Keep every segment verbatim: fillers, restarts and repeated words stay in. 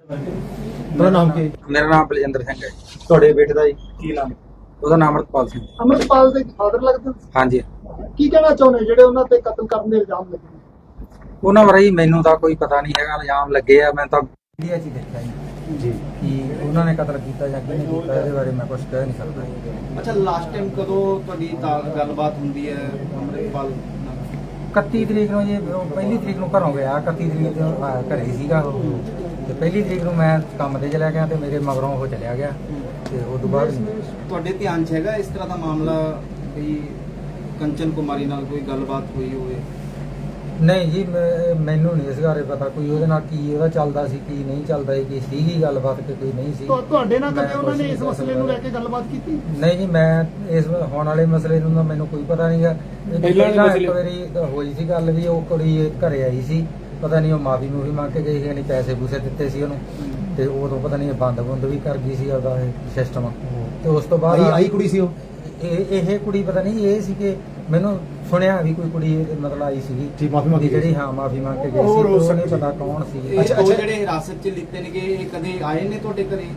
ਤੁਹਾਡਾ ਨਾਮ ਕੀ? ਮੇਰਾ ਨਾਮ ਬਲਜਿੰਦਰ ਸਿੰਘ ਹੈ। ਤੁਹਾਡੇ ਬੇਟੇ ਦਾ ਕੀ ਨਾਮ? ਉਹਦਾ ਨਾਮ ਅਮਰਪਾਲ ਸਿੰਘ। ਅਮਰਪਾਲ ਦੇ ਫਾਦਰ ਲੱਗਦੇ ਸੀ? ਹਾਂਜੀ। ਕੀ ਕਹਿਣਾ ਚਾਹੁੰਦੇ ਜਿਹੜੇ ਉਹਨਾਂ ਤੇ ਕਤਲ ਕਰਨ ਦੇ ਇਲਜ਼ਾਮ ਲੱਗੇ ਨੇ? ਉਹਨਾਂ ਬਾਰੇ ਜੀ ਮੈਨੂੰ ਤਾਂ ਕੋਈ ਪਤਾ ਨਹੀਂ ਹੈਗਾ, ਇਲਜ਼ਾਮ ਲੱਗੇ ਆ। ਮੈਂ ਤਾਂ ਮੀਡੀਆ 'ਚ ਹੀ ਦੇਖਿਆ ਜੀ ਜੀ ਕਿ ਉਹਨਾਂ ਨੇ ਕਤਲ ਕੀਤਾ ਜਾਂ ਕਿਹਨੇ ਕੀਤਾ, ਇਹਦੇ ਬਾਰੇ ਮੈਂ ਕੁਝ ਕਹਿ ਨਹੀਂ ਸਕਦਾ। ਅੱਛਾ, ਲਾਸਟ ਟਾਈਮ ਕਦੋਂ ਤੁਹਾਡੀ ਤਾਂ ਗੱਲਬਾਤ ਹੁੰਦੀ ਹੈ ਅਮਰਪਾਲ ਨਾਲ? ਇਕੱਤੀ ਤਰੀਕ ਨੂੰ ਜੀ, ਉਹ ਪਹਿਲੀ ਤਰੀਕ ਨੂੰ ਘਰੋਂ ਗਿਆ। ਇਕੱਤੀ ਤਰੀਕ ਨੂੰ ਆ, ਘਰੇ ਹੀ ਸੀਗਾ ਉਹ, ਤੇ ਪਹਿਲੀ ਤਰੀਕ ਨੂੰ ਮੈਂ ਕੰਮ ਤੇ ਚਲਿਆ ਗਿਆ ਤੇ ਮੇਰੇ ਮਗਰੋਂ ਉਹ ਚਲਿਆ ਗਿਆ, ਤੇ ਉਸ ਤੋਂ ਬਾਅਦ ਤੁਹਾਡੇ ਧਿਆਨ 'ਚ ਹੈਗਾ ਇਸ ਤਰ੍ਹਾਂ ਦਾ ਮਾਮਲਾ ਕੋਈ ਕੰਚਨ ਕੁਮਾਰੀ ਨਾਲ ਕੋਈ ਗੱਲਬਾਤ ਹੋਈ ਹੋਵੇ? ਨਹੀਂ ਜੀ, ਮੈਂ- ਮੈਨੂੰ ਨਹੀਂ ਇਸ ਬਾਰੇ ਪਤਾ ਕੋਈ ਉਹਦੇ ਨਾਲ ਕੀ ਉਹਦਾ ਚੱਲਦਾ ਸੀ, ਕੀ ਨਹੀਂ ਚੱਲਦਾ ਸੀ, ਕੀ ਸੀਗੀ ਗੱਲਬਾਤ ਕਿ ਕੋਈ ਨਹੀਂ ਸੀ। ਤੁਹਾ- ਤੁਹਾਡੇ ਨਾਲ ਮੈਂ ਕਦੇ ਉਹਨਾਂ ਕੁਛ ਨੇ ਨਹੀਂ ਇਸ ਕਹਿ ਮਸਲੇ ਨੂੰ ਸਕਦਾ। ਲੈ ਕੇ ਗੱਲਬਾਤ ਕੀਤੀ? ਨਹੀਂ ਜੀ, ਮੈਂ ਇਸ ਹੋਣ ਵਾਲੇ ਮਸਲੇ ਨੂੰ ਤਾਂ ਮੈਨੂੰ ਕੋਈ ਪਤਾ ਨਹੀਂਗਾ। ਪਹਿਲਾਂ ਇੱਕ ਵਾਰੀ ਹੋਈ ਸੀ ਗੱਲ ਵੀ ਉਹ ਕੁੜੀ ਘਰੇ ਆਈ ਸੀ, ਪਤਾ ਨਹੀਂ ਉਹ ਮਾਫੀ ਮੂਫੀ ਮੰਗ ਕੇ ਗਈ ਸੀ, ਨਹੀਂ ਪੈਸੇ ਪੂਸੇ ਦਿੱਤੇ ਸੀ ਉਹਨੂੰ, ਤੇ ਉਦੋਂ ਪਤਾ ਨਹੀਂ ਬੰਦ ਬੁੰਦ ਵੀ ਕਰ ਗਈ ਸੀ ਉਹਦਾ ਇਹ ਸਿਸਟਮ। ਤੇ ਉਸ ਤੋਂ ਬਾਅਦ ਆਈ ਆਈ ਕੁੜੀ ਸੀ ਉਹ? ਇਹ ਇਹ ਕੁੜੀ ਪਤਾ ਨਹੀਂ ਇਹ ਸੀ ਕਿ ਮੈਨੂੰ ਸੁਣਿਆ ਵੀ ਕੋਈ ਕੁੜੀ ਮਤਲਬ ਆਈ ਸੀਗੀ ਜੀ, ਮਾਫ਼ੀ ਮੰਗੀ ਜਿਹੜੀ ਹਾਂ ਮਾਫੀ ਮੰਗ ਕੇ ਗਈ ਸੀ, ਹੋਰ ਹੋ ਉਹ ਨਹੀਂ ਸਕਦੀ। ਪਤਾ ਕੌਣ ਸੀ। ਇਹ ਅੱਛਾ, ਦੋ ਅੱਛਾ। ਜਿਹੜੇ ਹਿਰਾਸਤ 'ਚ ਲਿੱਤੇ ਨੇਗੇ ਇਹ ਕਦੇ ਆਏ ਨੇ ਤੁਹਾਡੇ ਘਰੇ?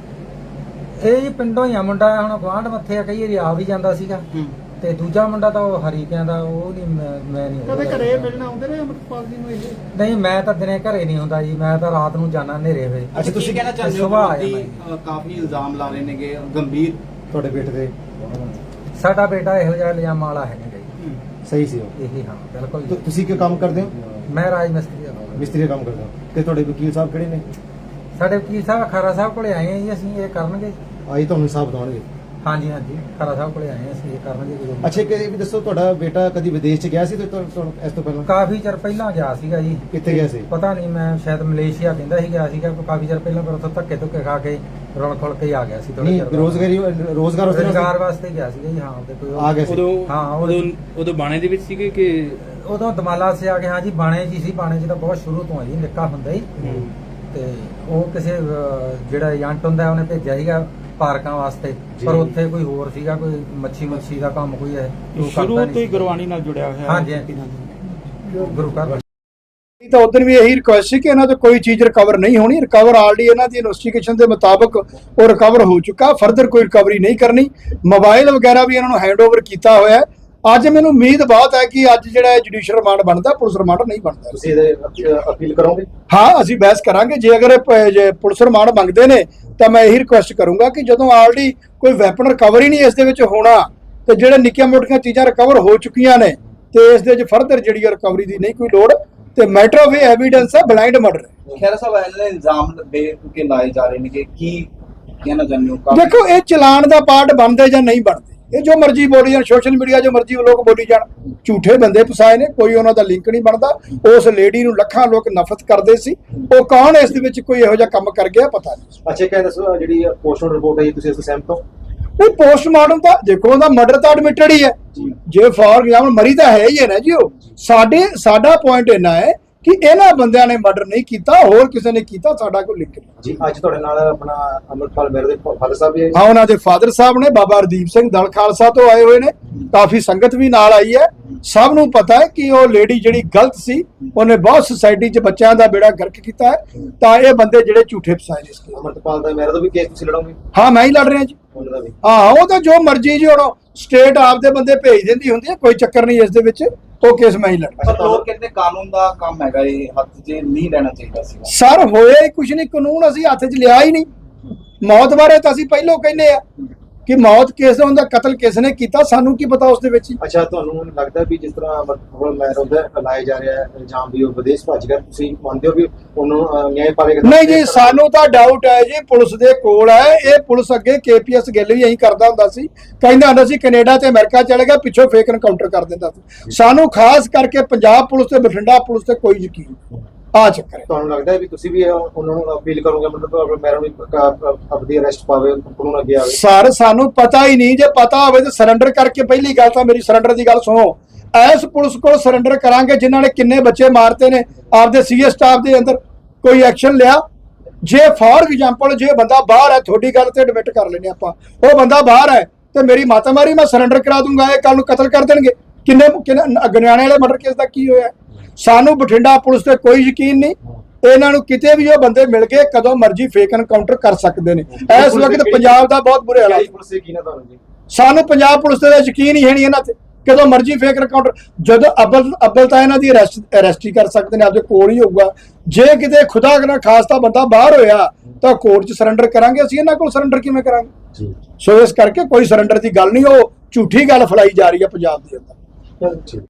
ਇਹ ਜੀ ਪਿੰਡੋਂ ਹੀ ਆ ਮੁੰਡਾ, ਹੁਣ ਗੁਆਂਢ ਮੱਥੇ ਆ, ਕਈ ਵਾਰੀ ਆ ਵੀ ਜਾਂਦਾ ਸੀਗਾ। ਤੇ ਦੂਜਾ ਮੁੰਡਾ ਤਾਂ ਉਹ ਹਰੀਕਿਆਂ ਦਾ, ਉਹ ਨਹੀਂ ਮੈਂ ਮੈਂ ਨਹੀਂ ਕਦੇ ਘਰੇ ਮਿਲਣ ਆਉਂਦੇ ਨੇ ਅਮਰਪਾਲ ਜੀ ਨੂੰ ਇਹ? ਨਹੀਂ, ਮੈਂ ਤਾਂ ਦਿਨੇ ਘਰੇ ਨਹੀਂ ਹੁੰਦਾ ਜੀ, ਮੈਂ ਤਾਂ ਰਾਤ ਨੂੰ ਜਾਣਾ ਹਨੇਰੇ ਵੇ। ਅੱਛਾ, ਤੁਸੀਂ ਕਹਿਣਾ ਚਾਹੁੰਦੇ ਹੋ ਸੁਭਾਅ ਕਿ ਹੈ ਅ, ਕਾਫੀ ਇਲਜ਼ਾਮ ਲਾ ਰਹੇ ਨੇਗੇ ਗੰਭੀਰ? ਤੁਹਾਡੇ ਬੇਟੇ ਦੇ ਸਾਡਾ ਬੇਟਾ ਇਹੋ ਜਿਹਾ ਇਲਜ਼ਾਮ ਵਾਲਾ ਹੈ ਨਹੀਂ ਜੀ। ਸਹੀ ਸੀ ਉਹ? ਇਹੀ ਹਾਂ, ਬਿਲਕੁਲ ਤੁ- ਜੀ। ਤੁਸੀਂ ਕੀ ਕੰਮ ਕਰਦੇ ਹੋ? ਮੈਂ ਰਾਜ ਮਿਸਤਰੀ ਹਾਂ। ਮਿਸਤਰੀ ਦਾ ਕੰਮ ਕਰਦੇ ਹੋ? ਤੇ ਤੁਹਾਡੇ ਵਕੀਲ ਸਾਹਿਬ ਕਿਹੜੇ ਨੇ? ਸਾਡੇ ਵਕੀਲ ਸਾਹਿਬ ਖਰਾ ਸਾਹਿਬ ਕੋਲੇ ਆਏ ਆ ਜੀ, ਅਸੀਂ ਇਹ ਕਰਨਗੇ। ਆਈ ਤੁਹਾਨੂੰ ਹਿਸਾਬ ਦਵਾਉਣਗੇ? ਹਾਂਜੀ ਹਾਂਜੀ, ਖਰਾ ਸਾਹਿਬ ਕੋਲੇ ਆਏ ਆ, ਅਸੀਂ ਇਹ ਕਰਨਗੇ ਜਦੋਂ। ਅੱਛਾ, ਕਿ ਇਹ ਵੀ ਦੱਸੋ, ਤੁਹਾਡਾ ਬੇਟਾ ਕਦੀ ਵਿਦੇਸ਼ ਚ ਗਿਆ ਸੀ ਤੇ ਤੁਹਾਨੂੰ- ਤੁਹਾਨੂੰ ਇਸ ਤੋਂ ਪਹਿਲਾਂ? ਕਾਫੀ ਚਿਰ ਪਹਿਲਾਂ ਗਿਆ ਸੀਗਾ ਜੀ। ਕਿੱਥੇ ਗਿਆ ਸੀ? ਪਤਾ ਨਹੀਂ, ਮੈਂ ਸ਼ਾਇਦ ਮਲੇਸ਼ੀਆ ਕਹਿੰਦਾ ਸੀ ਗਿਆ ਸੀਗਾ ਕਾਫੀ ਚਿਰ ਪਹਿਲਾਂ, ਪਰ ਉੱਥੋਂ ਧੱਕੇ ਧੁੱਕੇ ਖਾ ਕੇ ਰੁਲ ਖੁਲ ਕੇ ਆ ਗਿਆ ਸੀ ਥੋੜ੍ਹੇ ਨਹੀਂ, ਚਿਰ ਬਾਅਦ। ਰੋਜ਼ਗਾਰੀ ਰੋਜ਼ਗਾਰ ਵਾਸਤੇ ਰੁਜ਼ਗਾਰ ਵਾਸਤੇ ਗਿਆ ਸੀਗਾ ਜੀ। ਹਾਂ, ਤੇ ਕੋਈ ਆ ਗਿਆ ਸੀ? ਉਦੋਂ ਹਾਂ, ਉਦੋਂ ਉਦੋਂ ਬਾਣੇ ਦੇ ਵਿੱਚ ਸੀਗੇ ਕਿ ਉਦੋਂ ਦਮਾਲਾ ਸੇ ਆ ਕੇ। ਹਾਂ ਜੀ, ਬਾਣੇ 'ਚ ਹੀ ਸੀ। ਬਾਣੇ 'ਚ ਤਾਂ ਬਹੁਤ ਸ਼ੁਰੂ ਤੋਂ ਆ ਜੀ, ਨਿੱਕਾ ਹੁੰਦਾ ਹੀ। ਤੇ ਉਹ ਕਿਸੇ ਅਹ, ਜਿਹੜਾ ਏਜੰਟ ਹੁੰਦਾ ਉਹਨੇ ਭੇਜਿਆ ਸੀਗਾ ਪਾਰਕਾਂ ਵਾਸਤੇ, ਪਰ ਉੱਥੇ ਕੋਈ ਹੋਰ ਸੀਗਾ, ਕੋਈ ਮੱਛੀ ਮੱਛੀ ਦਾ ਕੰਮ ਕੋਈ ਹੈ ਉਹ ਕਰਦਾ ਸ਼ੁਰੂ ਨਹੀਂ ਤੋਂ ਹੀ ਸੀ। ਗੁਰਬਾਣੀ ਨਾਲ ਜੁੜਿਆ ਹੋਇਆ? ਹਾਂਜੀ, ਹਾਂਜੀ। ਗੁਰੂ ਘਰ ਤਾਂ ਉਦੋਂ ਵੀ ਇਹੀ ਰਿਕੁਐਸਟ ਸੀ ਕਿ ਇਹਨਾਂ ਤੋਂ ਕੋਈ ਚੀਜ਼ ਰਿਕਵਰ ਨਹੀਂ ਹੋਣੀ। ਰਿਕਵਰ ਆਲਰੇਡੀ ਇਹਨਾਂ ਦੀ ਇਨਵੈਸਟੀਗੇਸ਼ਨ ਦੇ ਮੁਤਾਬਕ ਉਹ ਰਿਕਵਰ ਹੋ ਚੁੱਕਾ, ਫਰਦਰ ਕੋਈ ਰਿਕਵਰੀ ਨਹੀਂ ਕਰਨੀ। ਮੋਬਾਈਲ ਵਗੈਰਾ ਵੀ ਇਹਨਾਂ ਨੂੰ ਹੈਂਡਓਵਰ ਕੀਤਾ ਹੋਇਆ ਹੈ। ਅੱਜ ਮੈਨੂੰ ਉਮੀਦ ਬਹੁਤ ਹੈ ਕਿ ਅੱਜ ਜਿਹੜਾ ਜੁਡੀਸ਼ੀਅਲ ਰਿਮਾਂਡ ਬਣਦਾ, ਪੁਲਿਸ ਰਿਮਾਂਡ ਨਹੀਂ ਬਣਦਾ। ਤੁਸੀਂ ਇਹਦੇ ਅਪੀਲ ਕਰੋਗੇ? ਹਾਂ, ਅਸੀਂ ਬਹਿਸ ਕਰਾਂਗੇ। ਜੇ ਅਗਰ ਇਹ ਪ- ਜੇ ਪੁਲਿਸ ਰਿਮਾਂਡ ਮੰਗਦੇ ਨੇ ਤਾਂ ਮੈਂ ਇਹੀ ਰਿਕੁਐਸਟ ਕਰੂੰਗਾ ਕਿ ਜਦੋਂ ਆਲਰੇਡੀ ਕੋਈ ਵੈਪਨ ਰਿਕਵਰ ਹੀ ਨਹੀਂ ਇਸ ਦੇ ਵਿੱਚ ਹੋਣਾ, ਤੇ ਜਿਹੜੇ ਨਿੱਕੀਆਂ ਮੋਟੀਆਂ ਚੀਜ਼ਾਂ ਰਿਕਵਰ ਹੋ ਚੁੱਕੀਆਂ ਨੇ, ਤੇ ਇਸ ਦੇ ਵਿੱਚ ਫਰਦਰ ਜਿਹੜੀ ਰਿਕਵਰੀ ਦੀ ਨਹੀਂ ਕੋਈ ਲੋੜ। ਤੇ ਮੈਟਰ ਆਫ ਐਵੀਡੈਂਸ ਹੈ, ਬਲਾਈਂਡ ਮਰਡਰ। ਖੈਰ ਸਾਹਿਬ, ਇਹਨਾਂ ਨੇ ਇਲਜ਼ਾਮ ਦੇ ਕੇ ਲਾਏ ਜਾ ਰਹੇ ਨੇ ਕਿ ਕੀ ਕਹਿਣਾ ਚਾਹੁੰਦੇ ਹੋ? ਦੇਖੋ, ਇਹ ਚਲਾਨ ਦਾ ਪਾਰਟ ਬਣਦੇ ਜਾਂ ਨਹੀਂ ਬਣਦੇ, ਇਹ ਜੋ ਮਰਜ਼ੀ ਬੋਲੀ ਜਾਣ, ਸੋਸ਼ਲ ਮੀਡੀਆ ਜੋ ਮਰਜ਼ੀ ਲੋਕ ਬੋਲੀ ਜਾਣ। ਝੂਠੇ ਬੰਦੇ ਫਸਾਏ ਨੇ, ਕੋਈ ਉਹਨਾਂ ਦਾ ਲਿੰਕ ਨਹੀਂ ਬਣਦਾ। ਉਸ ਲੇਡੀ ਨੂੰ ਲੱਖਾਂ ਲੋਕ ਨਫ਼ਰਤ ਕਰਦੇ ਸੀ, ਉਹ ਕੌਣ ਇਸ ਦੇ ਵਿੱਚ ਕੋਈ ਇਹੋ ਜਿਹਾ ਕੰਮ ਕਰ ਗਿਆ ਪਤਾ ਨਹੀਂ। ਅੱਛਾ, ਕਹਿੰਦੇ ਦੱਸੋ, ਜਿਹੜੀ ਪੋਸਟਮਾਰਟਮ ਰਿਪੋਰਟ ਹੈ ਤੁਸੀਂ ਇਸ ਤੋਂ ਸਹਿਮਤ ਹੋ? ਇਹ ਪੋਸਟਮਾਰਟਮ ਤਾਂ ਦੇਖੋ, ਉਹਦਾ ਮਰਡਰ ਤਾਂ ਐਡਮਿਟਡ ਹੀ ਹੈ। ਜੇ ਫੋਰ ਐਗਜ਼ਾਮਪਲ ਮਰੀ ਤਾਂ ਹੈ ਹੀ ਹੈ ਨਾ ਜੀ ਉਹ। ਸਾਡੇ ਸਾਡਾ ਪੁਆਇੰਟ ਇੰਨਾ ਹੈ ਕਿ ਇਹਨਾਂ ਬੰਦਿਆਂ ਨੇ ਮਰਡਰ ਨਹੀਂ ਕੀਤਾ, ਹੋਰ ਕਿਸੇ ਨੇ ਕੀਤਾ, ਸਾਡਾ ਕੋਈ ਲਿੰਕ ਨਹੀਂ ਜੀ। ਅੱਜ ਤੁਹਾਡੇ ਨਾਲ ਆਪਣਾ ਅਮਰਪਾਲ ਮੇਰੇ ਦੇ ਫਾਦਰ ਸਾਹਿਬ ਵੀ ਆਏ? ਹਾਂ, ਉਹਨਾਂ ਦੇ ਫਾਦਰ ਸਾਹਿਬ ਨੇ, ਬਾਬਾ ਹਰਦੀਪ ਸਿੰਘ ਦਲ ਖਾਲਸਾ ਤੋਂ ਆਏ ਹੋਏ ਨੇ। ਕਾਫੀ ਸੰਗਤ ਵੀ ਨਾਲ ਆਈ ਹੈ। ਸਭ ਨੂੰ ਪਤਾ ਹੈ ਕਿ ਉਹ ਲੇਡੀ ਜਿਹੜੀ ਗਲਤ ਸੀ, ਉਹਨੇ ਬਹੁਤ ਸੁਸਾਇਟੀ 'ਚ ਬੱਚਿਆਂ ਦਾ ਬੇੜਾ ਗਰਕ ਕੀਤਾ ਹੈ। ਤਾਂ ਇਹ ਬੰਦੇ ਜਿਹੜੇ ਝੂਠੇ ਫਸਾਏ ਨੇ ਇਸ ਕੇਸ। ਅਮਰਪਾਲ ਦਾ ਮੇਰੇ ਤੋਂ ਵੀ ਕੇਸ ਤੁਸੀਂ ਲੜੋਗੇ? ਹਾਂ, ਮੈਂ ਹੀ ਲੜ ਰਿਹਾ ਜੀ। ਉਹਨਾਂ ਦਾ ਵੀ? ਹਾਂ, ਉਹ ਤਾਂ ਜੋ ਮਰਜ਼ੀ ਜੀ, ਹੁਣ ਸਟੇਟ ਆਪਦੇ ਬੰਦੇ ਭੇਜ ਦਿੰਦੀ ਹੁੰਦੀ ਹੈ, ਕੋਈ ਚੱਕਰ ਨਹੀਂ ਇਸ ਦੇ ਵਿੱਚ। ਉਹ ਕੇਸ ਮੈਂ ਹੀ ਲੜ। ਪਰ ਲੋਕ ਕਹਿੰਦੇ ਕਾਨੂੰਨ ਦਾ ਕੰਮ ਹੈਗਾ, ਇਹ ਹੱਥ 'ਚ ਨਹੀਂ ਲੈਣਾ ਚਾਹੀਦਾ ਸੀ। ਸਰ, ਹੋਇਆ ਹੀ ਕੁਝ ਨਹੀਂ, ਕਾਨੂੰਨ ਅਸੀਂ ਹੱਥ 'ਚ ਲਿਆ ਹੀ ਨਹੀਂ। ਮੌਤ ਬਾਰੇ ਤਾਂ ਅਸੀਂ ਪਹਿਲਾਂ ਕਹਿੰਦੇ ਆ ਕਿ ਮੌਤ ਕੇਸ ਦਾ ਹੁੰਦਾ, ਕਤਲ ਕਿਸ ਨੇ ਕੀਤਾ, ਸਾਨੂੰ ਕੀ ਪਤਾ ਉਸ ਦੇ ਵਿੱਚ। ਅੱਛਾ, ਤੁਹਾਨੂੰ ਲੱਗਦਾ ਵੀ ਜਿਸ ਤਰ੍ਹਾਂ ਅਮਰਪਾਲ ਮੈਰ ਉਹਦਾ ਲਾਇਆ ਜਾ ਰਿਹਾ ਹੈ ਇਲਜ਼ਾਮ ਵੀ ਉਹ ਵਿਦੇਸ਼ ਭੱਜ ਗਿਆ, ਤੁਸੀਂ ਮੰਨਦੇ ਹੋ ਵੀ ਉਹਨੂੰ ਨਿਆਂ ਪਾਵੇਗਾ? ਨਹੀਂ ਜੀ, ਸਾਨੂੰ ਤਾਂ ਡਾਊਟ ਹੈ ਜੀ, ਪੁਲਿਸ ਦੇ ਕੋਲ ਹੈ ਇਹ। ਪੁਲਿਸ ਅੱਗੇ ਕੇਪੀਐਸ ਗਿੱਲ ਵੀ ਇਹੀ ਕਰਦਾ ਹੁੰਦਾ ਸੀ, ਕਹਿੰਦਾ ਹੁੰਦਾ ਸੀ ਕੈਨੇਡਾ ਤੇ ਅਮਰੀਕਾ ਚਲੇ ਗਿਆ, ਪਿੱਛੋਂ ਫੇਕ ਐਨਕਾਊਂਟਰ ਕਰ ਦਿੰਦਾ ਸੀ। ਸਾਨੂੰ ਖਾਸ ਕਰਕੇ ਪੰਜਾਬ ਪੁਲਿਸ ਤੇ ਬਠਿੰਡਾ ਪੁਲਿਸ ਤੇ ਕੋਈ ਯਕੀਨ ਨਹੀਂ। ਆ ਚੱਕਰ ਹੈ। ਤੁਹਾਨੂੰ ਲੱਗਦਾ ਹੈ ਵੀ ਤੁਸੀਂ ਵੀ ਉਹਨਾਂ ਨੂੰ ਅਪੀਲ ਕਰੋਗੇ ਮਤਲਬ ਮੈਰ ਨੂੰ ਆਪਣੀ ਅਰੈਸਟ ਪਾਵੇ, ਕਾਨੂੰਨ ਅੱਗੇ ਆਵੇ? ਸਰ, ਸਾਨੂੰ ਪਤਾ ਹੀ ਨਹੀਂ। ਜੇ ਪਤਾ ਹੋਵੇ ਤਾਂ ਸਰੈਂਡਰ ਕਰਕੇ, ਪਹਿਲੀ ਗੱਲ ਤਾਂ ਮੇਰੀ ਸਰੈਂਡਰ ਦੀ ਗੱਲ ਸੁਣੋ। ਐਸ ਪੁਲਿਸ ਕੋਲ ਸਰੈਂਡਰ ਕਰਾਂਗੇ ਜਿਨ੍ਹਾਂ ਨੇ ਕਿੰਨੇ ਬੱਚੇ ਮਾਰਤੇ ਨੇ ਆਪਦੇ ਸੀਏ ਸਟਾਫ ਦੇ ਅੰਦਰ, ਕੋਈ ਐਕਸ਼ਨ ਲਿਆ? ਜੇ ਫਾਰ ਐਗਜ਼ਾਮਪਲ ਜੇ ਬੰਦਾ ਬਾਹਰ ਹੈ, ਤੁਹਾਡੀ ਗੱਲ ਤੇ ਐਡਮਿਟ ਕਰ ਲੈਨੇ ਆਪਾਂ, ਉਹ ਬੰਦਾ ਬਾਹਰ ਹੈ ਤੇ ਮੇਰੀ ਮਾਤਾ ਮਾਰੀ, ਮੈਂ ਸਰੈਂਡਰ ਕਰਾ ਦੂੰਗਾ, ਇਹ ਕੱਲ ਨੂੰ ਕਤਲ ਕਰ ਦੇਣਗੇ। ਕਿੰਨੇ ਕਿੰਨੇ ਗਨਿਆਣੇ ਵਾਲੇ ਮਰਡਰ ਕੇਸ ਦਾ ਕੀ ਹੋਇਆ? ਸਾਨੂੰ ਬਠਿੰਡਾ ਪੁਲਿਸ ਤੇ ਕੋਈ ਯਕੀਨ ਨਹੀਂ। ਇਹਨਾਂ ਨੂੰ ਕਿਤੇ ਵੀ ਉਹ ਬੰਦੇ ਮਿਲ ਗਏ ਕਦੋਂ ਮਰਜ਼ੀ ਫੇਕ ਐਨਕਾਊਂਟਰ ਕਰ ਸਕਦੇ ਨੇ। ਇਸ ਵਕਤ ਪੰਜਾਬ ਦਾ ਬਹੁਤ ਬੁਰੇ ਹਾਲਾਤ। ਪੁਲਿਸ ਦੇ ਕੀ ਨਾ ਤੁਹਾਨੂੰ ਜੀ ਸਾਨੂੰ ਪੰਜਾਬ ਪੁਲਿਸ ਤੇ ਯਕੀਨ ਹੀ ਹੈ ਨਹੀਂ ਇਹਨਾਂ ਤੇ, ਕਦੋਂ ਮਰਜ਼ੀ ਫੇਕ ਐਨਕਾਊਂਟਰ। ਜਦੋਂ ਅਬਲ ਅਬਲ ਤਾਂ ਇਹਨਾਂ ਦੀ ਅਰੈਸਟ ਅਰੈਸਟ ਹੀ ਕਰ ਸਕਦੇ ਨੇ, ਆਪਦੇ ਕੋਲ ਹੀ ਹੋਊਗਾ। ਜੇ ਕਿਤੇ ਖੁਦਾ ਨਾ ਖਾਸਤਾ ਬੰਦਾ ਬਾਹਰ ਹੋਇਆ ਤਾਂ ਕੋਰਟ 'ਚ ਸਰੈਂਡਰ ਕਰਾਂਗੇ, ਅਸੀਂ ਇਹਨਾਂ ਕੋਲ ਸਰੈਂਡਰ ਕਿਵੇਂ ਕਰਾਂਗੇ? ਜੀ ਸੋ ਇਸ ਕਰਕੇ ਕੋਈ ਸਰੈਂਡਰ ਦੀ ਗੱਲ ਨਹੀਂ, ਉਹ ਝੂਠੀ ਗੱਲ ਫੈਲਾਈ ਜਾ ਰਹੀ ਹੈ ਪੰਜਾਬ ਦੇ ਅੰਦਰ। ਜੀ।